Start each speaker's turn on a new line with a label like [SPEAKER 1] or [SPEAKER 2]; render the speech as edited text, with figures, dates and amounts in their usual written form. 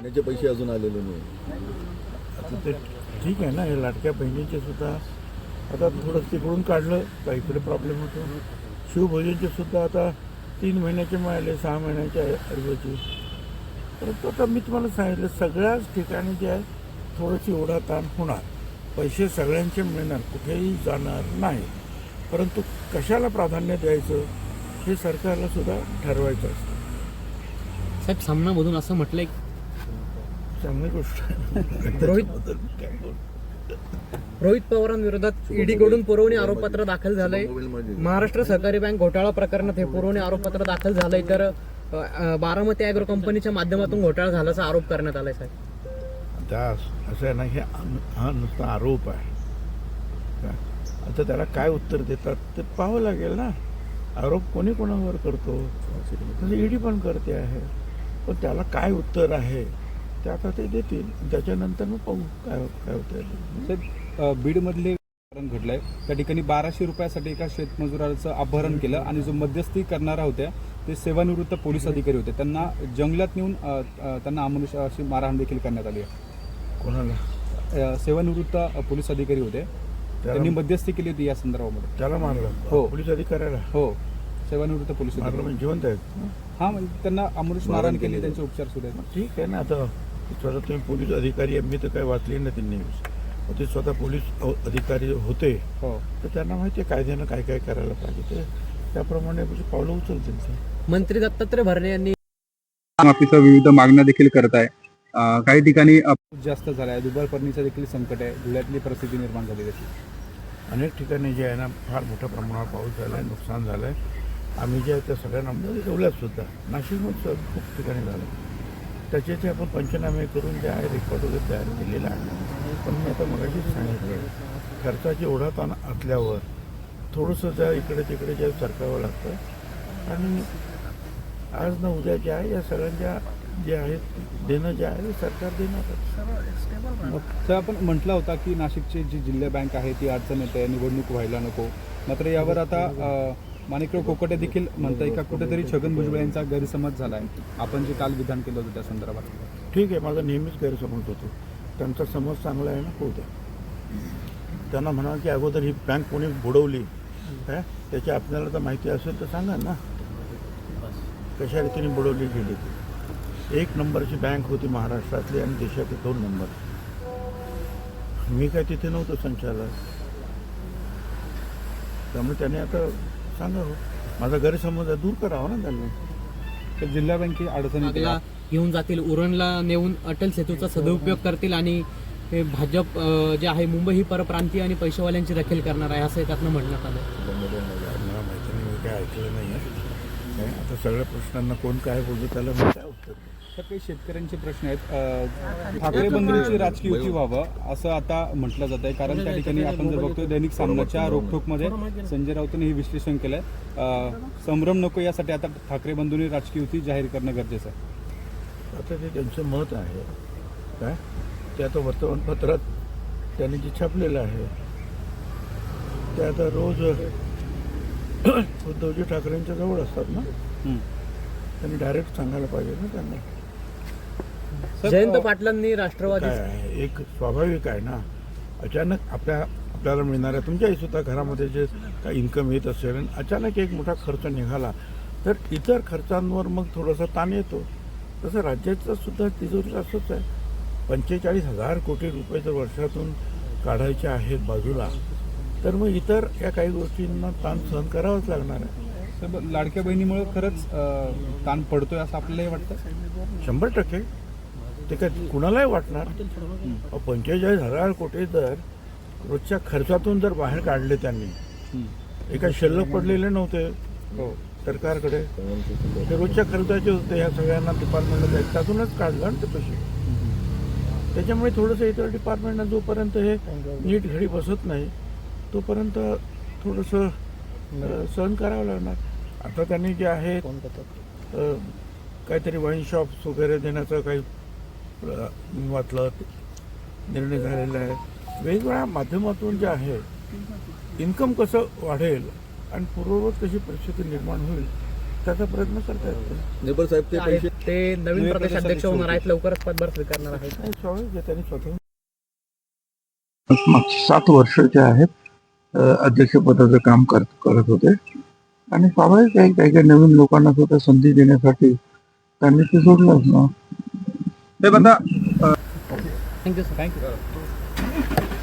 [SPEAKER 1] महिन्याचे पैसे अजून आलेले नाही.
[SPEAKER 2] आता ते ठीक आहे ना, हे लाडक्या बहिणीचे सुद्धा आता थोडं तिकडून काढलं का इकडे प्रॉब्लेम होतो. शिवभोजनचे सुद्धा आता 3 महिन्याचे मिळाले, 6 महिन्याच्या ऐवजी. परंतु आता मी तुम्हाला सांगितलं सगळ्याच ठिकाणी जे आहे थोडंशी ओढाताण होणार. पैसे सगळ्यांचे मिळणार, कुठेही जाणार नाही. परंतु कशाला प्राधान्य द्यायचं हे सरकारला सुद्धा ठरवायचं असतं.
[SPEAKER 3] साहेब, सामनामधून असं म्हटलंय
[SPEAKER 2] चांगली गोष्ट आहे.
[SPEAKER 3] रोहित पवारांविरोधात ईडीकडून पुरवणी आरोपपत्र दाखल झालंय. महाराष्ट्र सहकारी बँक घोटाळा प्रकरणात हे पुरवणी आरोपपत्र दाखल झालंय, तर बारामती ॲग्रो कंपनीच्या माध्यमातून घोटाळा झाल्याचा आरोप करण्यात आलाय. साहेब,
[SPEAKER 2] आता असं आहे ना, हा नुसता आरोप आहे का? आता त्याला काय उत्तर देतात ते पाहावं लागेल ना. आरोप कोणी कोणावर करतो, तसं ईडी पण करते आहे. पण त्याला काय उत्तर आहे ते आता ते देतील, त्याच्यानंतर मग पाहू काय काय होतं.
[SPEAKER 4] साहेब, बीडमधले प्रकरण घडलंय. त्या ठिकाणी 1200 रुपयासाठी एका शेतमजुराचं अपहरण केलं आणि जो मध्यस्थी करणारा होत्या ते सेवानिवृत्त पोलीस अधिकारी होते. त्यांना जंगलात नेऊन त्यांना अमानुषाची मारहाण देखील करण्यात आली आहे.
[SPEAKER 2] कोणाला?
[SPEAKER 4] सेवानिवृत्त पोलीस अधिकारी होते, त्यांनी मध्यस्थी केली होती या संदर्भामध्ये.
[SPEAKER 2] त्याला मारलं?
[SPEAKER 4] हो.
[SPEAKER 2] पोलीस अधिकाऱ्याला?
[SPEAKER 4] हो, सेवानिवृत्त पोलीस
[SPEAKER 2] मारलं
[SPEAKER 4] अधिकारी.
[SPEAKER 2] म्हणजे जिवंत आहेत?
[SPEAKER 4] हां, म्हणजे त्यांना अमानुष मारहाण केली, त्यांचे उपचार सुरू आहेत.
[SPEAKER 2] ठीक आहे ना. आता स्वतः तुम्ही पोलीस अधिकारी, मी तर काय वाचली ना ती न्यूज. ते स्वतः पोलीस अधिकारी होते,
[SPEAKER 4] हो,
[SPEAKER 2] तर त्यांना माहिती आहे कायद्यानं काय काय करायला पाहिजे, ते त्याप्रमाणे पावलं उचलतील ते.
[SPEAKER 3] मंत्री दत्तात्रय भरणे यांनी
[SPEAKER 4] माफीसह विविध मागण्या देखील करत आहे. काही ठिकाणी जास्त झाला आहे, दुबार फर्निचर देखील संकट आहे, धुळ्यातली परिस्थिती निर्माण झालेली आहे.
[SPEAKER 2] अनेक ठिकाणी जे आहे ना फार मोठ्या प्रमाणावर पाऊस झाला आहे, नुकसान झालं आहे. आम्ही जे आहे त्या सगळ्यांना ठेवल्यातसुद्धा. नाशिकमध्ये खूप ठिकाणी झालं. त्याचे आपण पंचनामे करून जे आहे रिपोर्ट वगैरे तयार केलेला आहे. पण मी आता मगाशीच सांगितलं, खर्चाची ओढाताण असल्यावर थोडंसं त्या इकडे तिकडे जे सरकावं लागतं. आणि आज ना उद्या जे आहे या सगळ्यांच्या जे आहेत देणं जे आहे सरकार देणार.
[SPEAKER 4] तर आपण म्हटलं होता की नाशिकची जी जिल्हा बँक आहे ती अडचण येते, निवडणूक व्हायला नको. मात्र यावर आता माणिकराव कोकटे देखील म्हणताय का कुठेतरी छगन भुजबळ यांचा गैरसमज झाला आहे. आपण जे काल विधान केलं होतं त्या संदर्भात.
[SPEAKER 2] ठीक आहे, माझा नेहमीच गैरसमज होतो. त्यांचा समज चांगला आहे ना, होऊ द्या. त्यांना म्हणा की अगोदर ही बँक कोणी बुडवली काय त्याची आपल्याला तर माहिती असेल तर सांगा ना, कशा रीतीने बुडवली गेली ती. 1 नंबरची बँक होती महाराष्ट्रातली आणि देशातली 2 नंबर. मी काय तिथे नव्हतो संचालक, त्यामुळे त्याने आता सांगावं. माझा गैरसमज दूर करावा ना त्यांनी.
[SPEAKER 4] तर जिल्हा बँके अडचणी
[SPEAKER 3] घेऊन जातील, उरणला नेऊन अटल सेतूचा सदुपयोग करतील आणि हे भाजप जे आहे मुंबई ही परप्रांतीय आणि पैशावाल्यांची दखल करणार आहे असं त्यातनं म्हणण्यात आलं.
[SPEAKER 2] मला माहिती नाही, मी काय ऐकलं नाही आहे. आता सगळ्या प्रश्नांना कोण काय बोलतो त्याला मी काय उत्तर.
[SPEAKER 4] तर काही शेतकऱ्यांचे प्रश्न आहेत. ठाकरे बंधूंची राजकीय युती व्हावं असं आता म्हटलं जात आहे, कारण त्या ठिकाणी आपण जर बघतोय दैनिक सामनाच्या रोखोकमध्ये संजय राऊतांनी हे विश्लेषण केलंय. संभ्रम नको यासाठी आता ठाकरे बंधूंनी राजकीय युती जाहीर करणं गरजेचं आहे.
[SPEAKER 2] आता ते त्यांचं मत आहे काय, ते आता वर्तमानपत्रात त्यांनी जे छापलेलं आहे ते आता रोज उद्धवजी ठाकरेंच्या जवळ असतात ना, त्यांनी डायरेक्ट सांगायला पाहिजे ना त्यांना.
[SPEAKER 3] जयंत पाटलांनी राष्ट्रवादी
[SPEAKER 2] काय आहे, एक स्वाभाविक आहे ना, अचानक आपल्याला मिळणाऱ्या तुमच्याही सुद्धा घरामध्ये जे काही इन्कम येत असेल आणि अचानक एक मोठा खर्च निघाला तर इतर खर्चांवर मग थोडासा ताण येतो. तसं राज्याचं सुद्धा तिजोरी असंच आहे. 45,000 कोटी रुपये जर वर्षातून काढायचे आहेत बाजूला, तर मग इतर या काही गोष्टींना ताण सहन करावाच लागणार आहे.
[SPEAKER 4] तर लाडक्या बहिणीमुळे खरंच ताण पडतोय असं आपल्यालाही वाटतं.
[SPEAKER 2] 100% ते काय कुणालाही वाटणार. 45,000 कोटी जर रोजच्या खर्चातून जर बाहेर काढले त्यांनी, एका शिल्लक पडलेले नव्हते
[SPEAKER 4] हो
[SPEAKER 2] सरकारकडे, ते रोजच्या खर्चाचे होते. ह्या सगळ्यांना डिपार्टमेंटला त्यातूनच काढलं आणि ते पैसे. त्याच्यामुळे थोडंसं इतर डिपार्टमेंटना जोपर्यंत हे नीट घडी बसत नाही तोपर्यंत थोडंसं सहन करावं लागणार. आता त्यांनी जे आहे काहीतरी वाईन शॉप्स वगैरे देण्याचं काही वाटलं निर्णय झालेला आहे. वेगवेगळ्या माध्यमातून जे आहे इन्कम कसं वाढेल आणि पूर्ववत कशी परिस्थिती निर्माण होईल त्याचा प्रयत्न करतायत.
[SPEAKER 1] नेबर साहेब ते पैसे
[SPEAKER 3] ते नवीन प्रदेशाध्यक्ष होणार आहेत, लवकरच पदभार स्वीकारणार आहेत.
[SPEAKER 2] नाही, स्वाभाविक आहे, त्यांनी स्वतः मागची 7 वर्ष जे आहेत अध्यक्षपदाचं काम करत होते आणि स्वाभाविक आहे काही काही नवीन लोकांना सुद्धा संधी देण्यासाठी त्यांनी ते सोडलंच ना.
[SPEAKER 3] Thank you sir.
[SPEAKER 4] थँक्यू